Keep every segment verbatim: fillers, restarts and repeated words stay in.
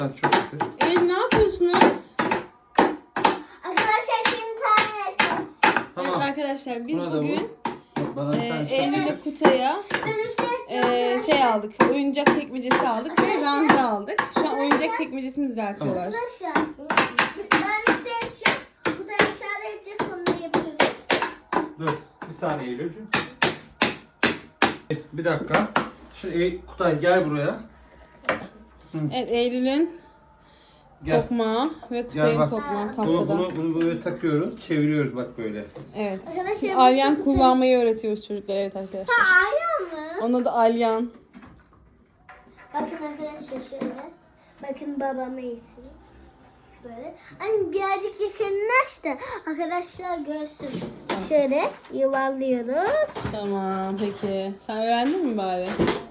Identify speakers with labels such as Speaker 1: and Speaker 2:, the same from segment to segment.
Speaker 1: Hadi çok getir.
Speaker 2: Eylül ne yapıyorsunuz?
Speaker 3: Arkadaşlar şimdi tahmin ettim.
Speaker 1: Tamam.
Speaker 2: Evet arkadaşlar biz
Speaker 1: Buna da
Speaker 2: bugün
Speaker 1: bu. Bana bir
Speaker 2: e,
Speaker 1: tane
Speaker 2: Eylül'le Kutay'a
Speaker 3: Ben üstüne
Speaker 2: e,
Speaker 3: yapacağım.
Speaker 2: şey aldık. Oyuncak çekmecesi aldık ve ranza aldık. Şu an oyuncak çekmecesini düzeltiyorlar.
Speaker 3: Arkadaşlar ben üstüne yapacağım. Bu da aşağıda edecek, sonra yapıyoruz.
Speaker 1: Dur. Bir saniye Eylül'cüğüm. Bir dakika. Şimdi Ey- Kutay gel buraya.
Speaker 2: Evet Eylül'ün
Speaker 1: Gel.
Speaker 2: tokmağı ve
Speaker 1: Gel
Speaker 2: Kutay'ın
Speaker 1: bak.
Speaker 2: tokmağı
Speaker 1: Bunu,
Speaker 2: tahtada.
Speaker 1: bunu, bunu böyle takıyoruz. Çeviriyoruz bak böyle.
Speaker 2: Evet.
Speaker 3: Arkadaşlar
Speaker 2: Şimdi
Speaker 3: bu
Speaker 2: alyan
Speaker 3: Kutay-
Speaker 2: kullanmayı öğretiyoruz çocuklara, evet arkadaşlar.
Speaker 3: Ha, ayran mı?
Speaker 2: Onun adı alyan.
Speaker 3: Bakın arkadaşlar şöyle. Bakın babam iyisi. Böyle. Hani birazcık yakınlaş da arkadaşlar görsün. Şöyle yuvarlıyoruz.
Speaker 2: Tamam peki. Sen öğrendin mi bari?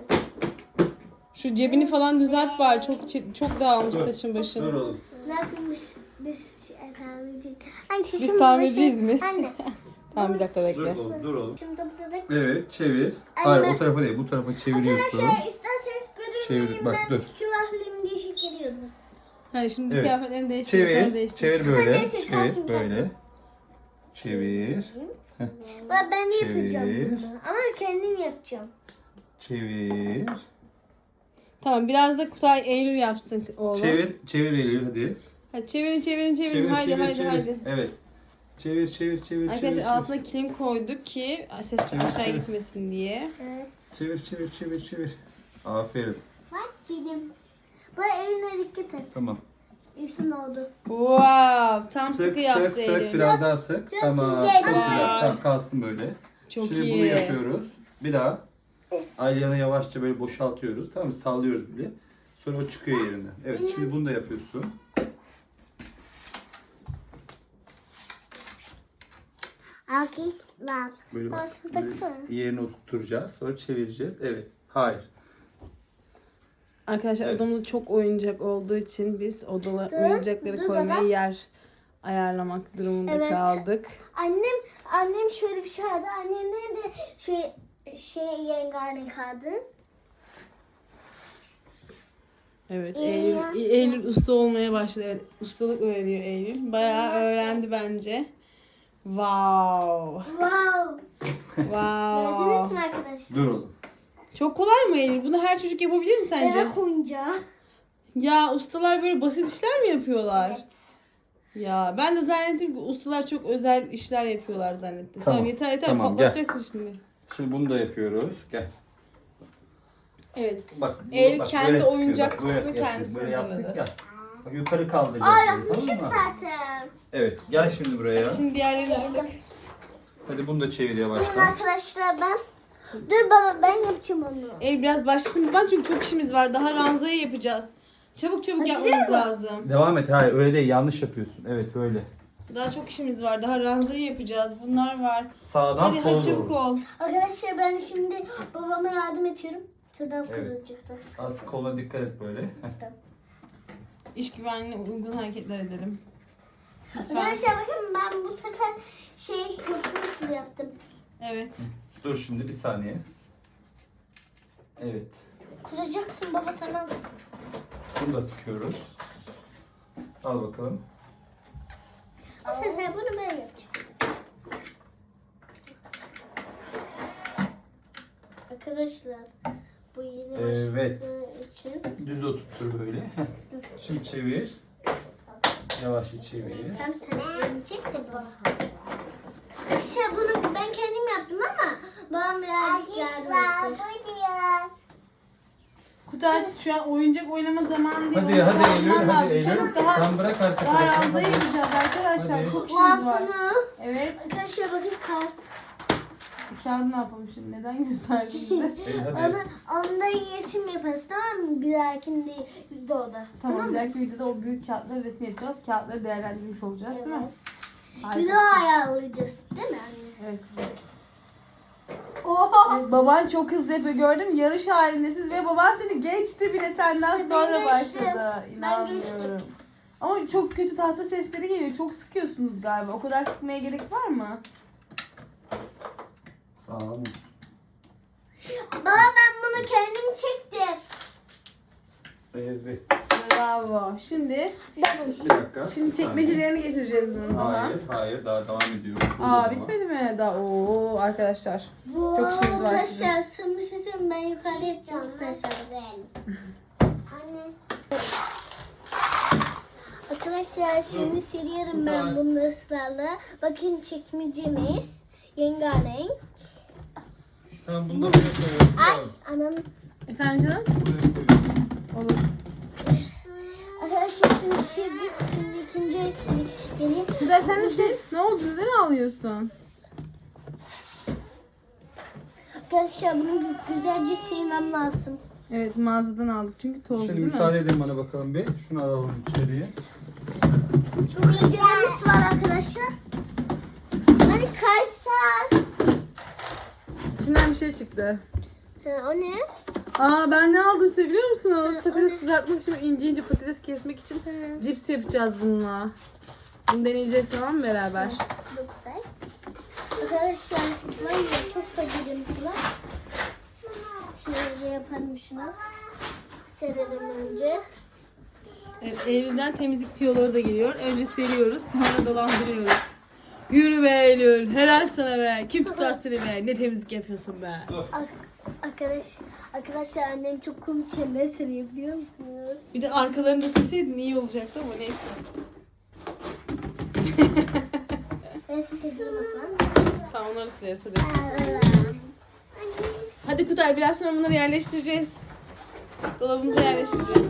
Speaker 2: Şu cebini falan düzelt bari. Çok çi- çok dağılmış
Speaker 1: Dur.
Speaker 2: saçın
Speaker 1: Dur
Speaker 2: başın.
Speaker 1: oğlum.
Speaker 3: Ne yapayım biz? Biz şey, tamirciyiz. Hani şişim
Speaker 2: Biz tamirciyiz mi?
Speaker 3: Anne.
Speaker 2: Tamam bir dakika
Speaker 1: Dur
Speaker 2: bekle.
Speaker 1: oğlum. Dur oğlum.
Speaker 3: Şimdi burada da
Speaker 1: Evet çevir.
Speaker 3: Anne,
Speaker 1: Hayır
Speaker 3: ben-
Speaker 1: o tarafa değil. Bu tarafa çeviriyorsun.
Speaker 3: arkadaşlar isterseniz görün.
Speaker 1: Çevir, bak,
Speaker 3: ben
Speaker 1: dur.
Speaker 3: külahlıyım diye şekeriyordum.
Speaker 2: Hadi şimdi
Speaker 1: Evet.
Speaker 2: kıyafetlerini değiştir. sonra
Speaker 1: Çevir.
Speaker 2: değiştir.
Speaker 1: Çevir böyle.
Speaker 3: Neyse,
Speaker 1: Çevir
Speaker 3: kalsın,
Speaker 1: böyle. Çevir.
Speaker 3: Ben, ben yapacağım
Speaker 1: Çevir.
Speaker 3: bunu. Ama kendim yapacağım.
Speaker 1: Çevir.
Speaker 2: Tamam biraz da Kutay Eylül yapsın oğlum.
Speaker 1: Çevir. Çevir Eylül hadi.
Speaker 2: Hadi çevirin çevirin çevirin.
Speaker 1: Çevir,
Speaker 2: haydi
Speaker 1: çevir,
Speaker 2: haydi
Speaker 1: çevir.
Speaker 2: haydi.
Speaker 1: Evet. Çevir, çevir, çevir,
Speaker 2: Arkadaşlar
Speaker 1: çevir.
Speaker 2: altına kilim koyduk ki ses
Speaker 1: Çevir,
Speaker 2: aşağı
Speaker 1: çevir.
Speaker 2: gitmesin diye.
Speaker 3: Evet.
Speaker 1: Çevir, çevir, çevir, çevir. Aferin.
Speaker 3: Bak benim. Bu evine dikkat et.
Speaker 1: Tamam.
Speaker 3: Üstün oldu.
Speaker 2: Wow, tam
Speaker 1: Sık,
Speaker 2: sıkı yaptı
Speaker 1: sık, sık.
Speaker 2: Eylül.
Speaker 1: Biraz daha sık.
Speaker 3: çok
Speaker 1: Tamam.
Speaker 3: güzel.
Speaker 1: Çok güzel.
Speaker 2: Vay.
Speaker 1: Tamam, kalsın böyle.
Speaker 2: Çok
Speaker 1: Şimdi
Speaker 2: iyi.
Speaker 1: bunu yapıyoruz. Bir daha. Alyanı yavaşça böyle boşaltıyoruz. Tamam mı? Sallıyoruz bile. Sonra o çıkıyor yerinden. Evet, şimdi bunu da yapıyorsun.
Speaker 3: Arkadaşlar.
Speaker 1: Böyle bak.
Speaker 3: Aslında
Speaker 1: Böyle
Speaker 3: taksana.
Speaker 1: yerine oturtacağız. Sonra çevireceğiz. Evet. Hayır.
Speaker 2: Arkadaşlar
Speaker 1: Evet.
Speaker 2: odamızda çok oyuncak olduğu için biz odala
Speaker 3: Dur,
Speaker 2: oyuncakları
Speaker 3: dur
Speaker 2: koymaya
Speaker 3: baba.
Speaker 2: yer ayarlamak durumunda
Speaker 3: Evet.
Speaker 2: kaldık.
Speaker 3: Annem annem şöyle bir şey aldı. Annemler de şey şey rengarenk aldı.
Speaker 2: Evet
Speaker 3: İyi
Speaker 2: Eylül,
Speaker 3: ya.
Speaker 2: Eylül usta olmaya başladı. Evet ustalık öğreniyor Eylül. Bayağı öğrendi bence. Wow.
Speaker 3: Wow. Gördünüz
Speaker 2: Wow.
Speaker 3: mü arkadaşlar?
Speaker 1: Dur oğlum.
Speaker 2: Çok kolay mı Eylül? Bunu her çocuk yapabilir mi sence?
Speaker 3: Bebek oyuncağı.
Speaker 2: Ya ustalar böyle basit işler mi yapıyorlar?
Speaker 3: Evet.
Speaker 2: Ya ben de zannettim ki ustalar çok özel işler yapıyorlar zannettim.
Speaker 1: Tamam,
Speaker 2: Tamam, yeter yeter
Speaker 1: tamam, gel.
Speaker 2: patlatacaksın şimdi.
Speaker 1: Şimdi bunu da yapıyoruz. Gel.
Speaker 2: Evet.
Speaker 1: Bak, bu-
Speaker 2: El
Speaker 1: bak,
Speaker 2: kendi
Speaker 1: böyle sıkıyor.
Speaker 2: oyuncak
Speaker 1: Bak, böyle
Speaker 2: kutusunu
Speaker 1: yapıyoruz.
Speaker 2: kendisi
Speaker 1: Böyle yaptık
Speaker 2: hazırladı.
Speaker 1: ya. Bak yukarı kaldıracağız.
Speaker 3: Aa
Speaker 1: bunu,
Speaker 3: yapmışım
Speaker 1: tamam mı?
Speaker 3: zaten.
Speaker 1: Evet, gel şimdi buraya.
Speaker 2: Şimdi diğerlerini ıslık.
Speaker 1: Hadi bunu da çevir
Speaker 3: Bugün
Speaker 1: yavaştan.
Speaker 3: arkadaşlar ben dur baba ben yapacağım onu.
Speaker 2: El biraz başlasın. Ben çünkü çok işimiz var. Daha ranzayı yapacağız. Çabuk çabuk
Speaker 3: Açılıyor
Speaker 2: yapmamız
Speaker 3: mu?
Speaker 2: lazım.
Speaker 1: Devam et. Hayır, öyle değil. Yanlış yapıyorsun. Evet, öyle.
Speaker 2: Daha çok işimiz var. Daha ranzayı yapacağız. Bunlar var.
Speaker 1: Sağdan
Speaker 2: Hadi
Speaker 1: sola
Speaker 2: hadi çabuk
Speaker 1: doğru.
Speaker 2: ol.
Speaker 3: Arkadaşlar ben şimdi babama yardım ediyorum. Tırnağım
Speaker 1: Evet.
Speaker 3: kırılacaktır.
Speaker 1: Az koluna dikkat et böyle.
Speaker 2: İş güvenliğine uygun hareketler edelim. Lütfen.
Speaker 3: Arkadaşlar bakın ben bu sefer şey hızlı hızlı yaptım.
Speaker 2: Evet.
Speaker 1: Dur şimdi bir saniye. Evet.
Speaker 3: Kıracaksın baba tamam.
Speaker 1: Bunu da sıkıyoruz. Al bakalım.
Speaker 3: Bu sefer bunu ben yapacağım. Arkadaşlar bu yeni
Speaker 1: Evet.
Speaker 3: başladığı için
Speaker 1: Düz oturtur böyle. Şimdi çevir. Yavaşça çevir.
Speaker 3: hem sana gelecek de baba. Arkadaşlar bunu ben kendim yaptım ama babam birazcık yardım etti.
Speaker 2: Kutay şu an oyuncak oynama zamanı değil.
Speaker 1: Hadi
Speaker 2: Onu
Speaker 1: hadi
Speaker 2: daha
Speaker 1: Eylül,
Speaker 2: alman
Speaker 1: hadi
Speaker 2: lazım.
Speaker 1: Eylül.
Speaker 2: Çabuk daha,
Speaker 1: Sen bırak artık.
Speaker 2: daha
Speaker 1: bırak.
Speaker 2: ranzayı
Speaker 1: Hadi.
Speaker 2: yapacağız arkadaşlar.
Speaker 1: Hadi.
Speaker 2: Çok işimiz var.
Speaker 3: Mağazını.
Speaker 2: Evet.
Speaker 3: Arkadaşlar bakın kart.
Speaker 2: Kağıdı ne yapalım şimdi? Neden gösterdin bize?
Speaker 1: Eylül, hadi.
Speaker 3: Onu, onda resim yaparız tamam mı? Bir dahakinde videoda.
Speaker 2: Tamam, bir dahaki videoda o büyük kağıtları resim yapacağız. Kağıtları değerlendirmiş olacağız değil mi? Harika.
Speaker 3: Video ayarlayacağız değil mi anne?
Speaker 2: Evet.
Speaker 3: Oha.
Speaker 2: Evet, baban çok hızlı yapıyor gördüm. Yarış halindesiniz ve baban seni geçti bile senden
Speaker 3: Ben
Speaker 2: sonra
Speaker 3: geçtim.
Speaker 2: başladı.
Speaker 3: Ben
Speaker 2: İnanmıyorum. Ama çok kötü tahta sesleri geliyor. Çok sıkıyorsunuz galiba. O kadar sıkmaya gerek var mı?
Speaker 1: Sağ ol.
Speaker 3: Baba ben bunu kendim çektim.
Speaker 1: Evet.
Speaker 2: Böyle Bravo. Şimdi
Speaker 1: Bir dakika.
Speaker 2: şimdi
Speaker 1: bir saniye.
Speaker 2: çekmecelerini getireceğiz bunun. Tamam.
Speaker 1: Hayır, hayır. Daha devam ediyor.
Speaker 2: Aa bitmedi mi? Daha oo arkadaşlar.
Speaker 3: Bu
Speaker 2: Çok işiniz var sizin.
Speaker 3: arkadaşlar sana bir şey söyleyeyim, ben yukarıya yapacağım arkadaşlar. Anne. Arkadaşlar şimdi siliyorum ben bunu ısrarla. Bakın çekmecemiz rengarenk.
Speaker 1: Sen bunu da buraya koyuyorsun.
Speaker 3: Ay anam.
Speaker 2: Efendim canım?
Speaker 1: Buraya koyuyorsun.
Speaker 2: Olur.
Speaker 3: Arkadaşlar şimdi şimdi, şimdi ikinci el sileyim.
Speaker 2: Güzel sen de sil. Ne oldu? Neden ağlıyorsun?
Speaker 3: Arkadaşlar bunu güzelce silmem lazım.
Speaker 2: Evet mağazadan aldık çünkü tozlu
Speaker 1: Şimdi
Speaker 2: değil mi?
Speaker 1: müsaade edin bana bakalım bir. Şunu alalım içeriye.
Speaker 3: Çok acelemiz var arkadaşlar. Hani kaç saat?
Speaker 2: İçinden bir şey çıktı.
Speaker 3: Ha, o ne?
Speaker 2: Aa ben ne aldım size biliyor musunuz? Patates kızartmak için ince ince patates kesmek için cips yapacağız bununla. Bunu deneyeceğiz tamam mı beraber?
Speaker 3: Doktor. Arkadaşlar var ya çok fakirim var. Şöyle yapalım şunu. Serelim önce.
Speaker 2: Evet, Eylül'den temizlik tiyoları da geliyor. Önce seriyoruz sonra dolandırıyoruz. Yürü be Eylül. Helal sana be. Kim tutar seni be? Ne temizlik yapıyorsun be?
Speaker 3: Ar- Arkadaş, arkadaşlar annem çok komik şeyler söylüyor biliyor musunuz?
Speaker 2: Bir de arkalarını da silseydin iyi olacaktı ama neyse.
Speaker 3: Ben size söyleyeyim o zaman.
Speaker 2: Tamam onları sileriz hadi. Hadi Kutay biraz sonra bunları yerleştireceğiz. Dolabımıza yerleştireceğiz.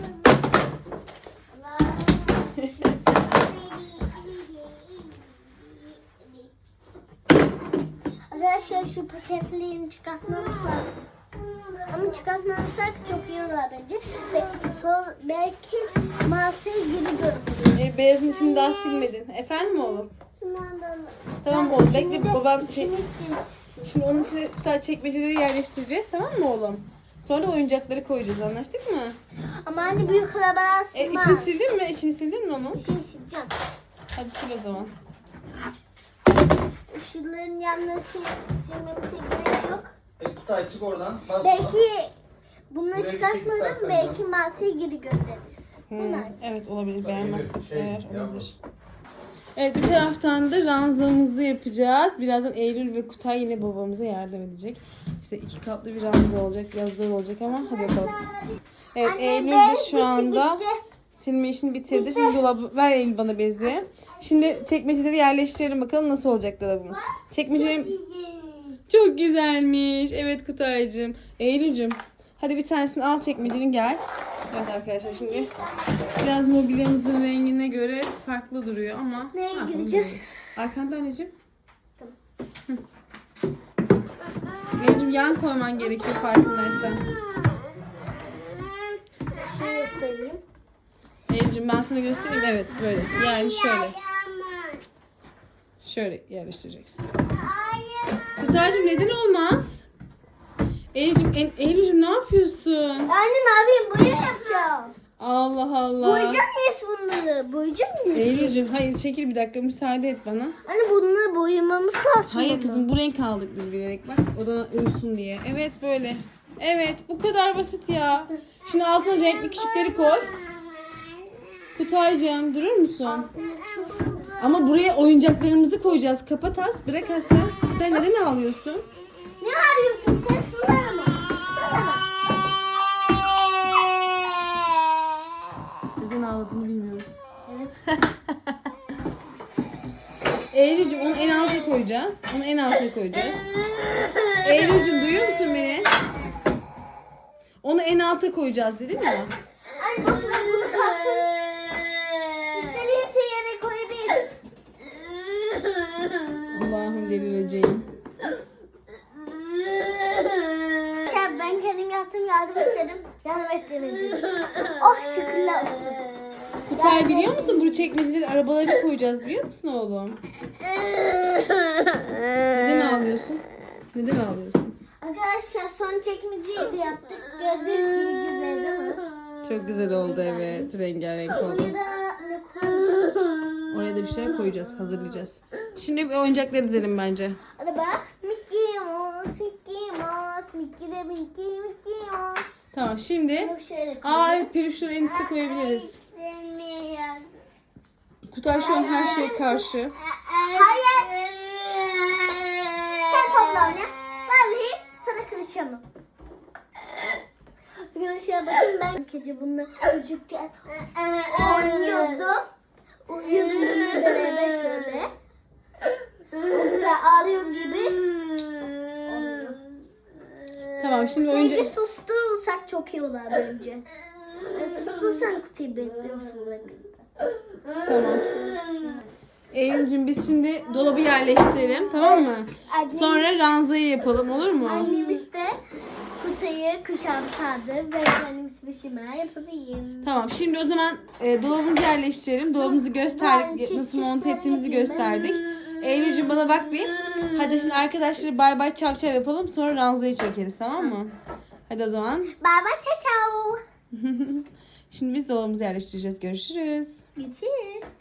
Speaker 3: Arkadaşlar şu paketlerini çıkartmamız lazım. Ama çıkartmazsak çok iyi olur bence. Belki, sol, belki masayı gibi görürüz.
Speaker 2: E, beyazın içini daha silmedin. Efendim oğlum? Tamam oğlum bekle baban çek. Şimdi onun içine Kutay çekmeceleri yerleştireceğiz tamam mı oğlum? Sonra da oyuncakları koyacağız anlaştık mı?
Speaker 3: Ama anne büyük arabalar
Speaker 2: E,
Speaker 3: sığmaz.
Speaker 2: içini sildin mi? İçini sildin mi onun?
Speaker 3: Bir şey sileceğim.
Speaker 2: Hadi sil o zaman.
Speaker 3: Işıkların yanına sil, silmemize gerek yok.
Speaker 1: E, Kutay çık oradan. Bas.
Speaker 3: Belki bunları
Speaker 1: Buraya
Speaker 3: çıkartmadan
Speaker 1: gidecek
Speaker 3: belki
Speaker 1: istersen
Speaker 3: masayı geri göndeririz. Değil
Speaker 2: Hmm,
Speaker 3: mi?
Speaker 2: evet olabilir
Speaker 1: Bak,
Speaker 2: beğenmezsek
Speaker 1: şey,
Speaker 2: eğer
Speaker 1: yavrum.
Speaker 2: olabilir. Evet bir taraftan da ranzamızı yapacağız. Birazdan Eylül ve Kutay yine babamıza yardım edecek. İşte iki katlı bir ranza olacak. Biraz zor olacak ama hadi bakalım. Evet
Speaker 3: Anne,
Speaker 2: Eylül de
Speaker 3: bez
Speaker 2: şu anda
Speaker 3: bitti.
Speaker 2: silme işini bitirdi. Şimdi dolabı ver Eylül bana bezi. Şimdi çekmeceleri yerleştirelim bakalım nasıl olacak dolabımız. Çekmecelerim çok güzelmiş. Evet Kutaycığım. Eylül'cüm hadi bir tanesini al çekmecenin gel. Evet arkadaşlar şimdi biraz mobilyamızın rengine göre farklı duruyor ama.
Speaker 3: Neye
Speaker 2: Ha, onu
Speaker 3: gireceğiz?
Speaker 2: görelim. Arkanda anneciğim. Hı. Eylül'cüm yan koyman gerekiyor farkındaysan.
Speaker 3: Şöyle koyayım.
Speaker 2: Eylül'cüm ben sana göstereyim. Evet böyle. Yani şöyle. Şöyle yerleştireceksin. Kutaycığım neden olmaz? Eylül'cüm, en, Eylül'cüm ne yapıyorsun?
Speaker 3: Anne ne yapayım? Boya yapacağım.
Speaker 2: Allah Allah.
Speaker 3: Boyayacak mıyız bunları? Boyayacak mıyız?
Speaker 2: Eylül'cüm hayır çekil bir dakika müsaade et bana.
Speaker 3: Anne bunları boyamamız lazım.
Speaker 2: Hayır
Speaker 3: ama.
Speaker 2: kızım bu renk aldık biz bilerek bak odana uyusun diye. Evet böyle. Evet bu kadar basit ya. Şimdi altına renkli küçükleri koy. Kutaycığım durur musun? Ama buraya oyuncaklarımızı koyacağız. Kapat as bırak asla. Sen neden ağlıyorsun?
Speaker 3: Ne arıyorsun? Tesla mı? Sana.
Speaker 2: Neden ağladığını bilmiyoruz.
Speaker 3: Evet.
Speaker 2: Eylül'cüm onu en alta koyacağız. Onu en alta koyacağız. Eylül'cüm duyuyor musun beni? Onu en alta koyacağız dedim ya.
Speaker 3: Anne boş ver bunu kalsın. İstediğimse yere koyabiliriz.
Speaker 2: Allah'ım delireceğim.
Speaker 3: Şey, ben kendim yaptım yardım istedim. Yardım ettirmedim. Oh şükürler olsun.
Speaker 2: Kutay biliyor musun? Bu çekmeceleri arabalara koyacağız biliyor musun oğlum? Neden ağlıyorsun? Neden ağlıyorsun?
Speaker 3: Arkadaşlar son çekmeceyi de yaptık. Gördüğünüz gibi güzel değil mi?
Speaker 2: Çok güzel oldu evet. Rengarenk oldu.
Speaker 3: Buraya da ne koyacağız?
Speaker 2: Oraya da bir şeyler koyacağız, hazırlayacağız. Şimdi bir oyuncakları dizelim bence.
Speaker 3: Hadi bak. Mickey Mouse, Mickey Mouse, Mickey de Mickey, Mickey Mouse.
Speaker 2: Tamam şimdi.
Speaker 3: Bunu şöyle
Speaker 2: Aa
Speaker 3: koyayım.
Speaker 2: evet, peruşları en üstte koyabiliriz. Kutay şu an her şeye karşı.
Speaker 3: Hayır. Sen topla oyna. Vallahi sana kırışamam. Arkadaşlar bakın ben gece bununla çocukken oynuyordum. Uyuyordum beraber şöyle. O kadar ağlıyor gibi oluyor.
Speaker 2: Tamam şimdi
Speaker 3: Kutuyu
Speaker 2: oyuncu...
Speaker 3: bir susturursak çok iyi olur bence. Yani sustursan kutuyu bekliyorsun.
Speaker 2: Tamam. Eylül'cüm biz şimdi dolabı yerleştirelim, tamam mı?
Speaker 3: Annemiz-
Speaker 2: Sonra ranzayı yapalım, olur mu?
Speaker 3: Annemiz de kutuyu kuşağım sardı. Ben annemiz başıma yapayım.
Speaker 2: Tamam şimdi o zaman e, dolabımızı yerleştirelim. Dolabımızı gösterdik, nasıl monte ettiğimizi gösterdik. Eylül'cüm bana bak bir. Hadi şimdi arkadaşları bay bay çak çak yapalım, sonra ranzayı çekeriz, tamam mı? Hadi o zaman.
Speaker 3: Bye bye ciao ciao.
Speaker 2: Şimdi biz dolabımızı yerleştireceğiz. Görüşürüz.
Speaker 3: Görüşürüz.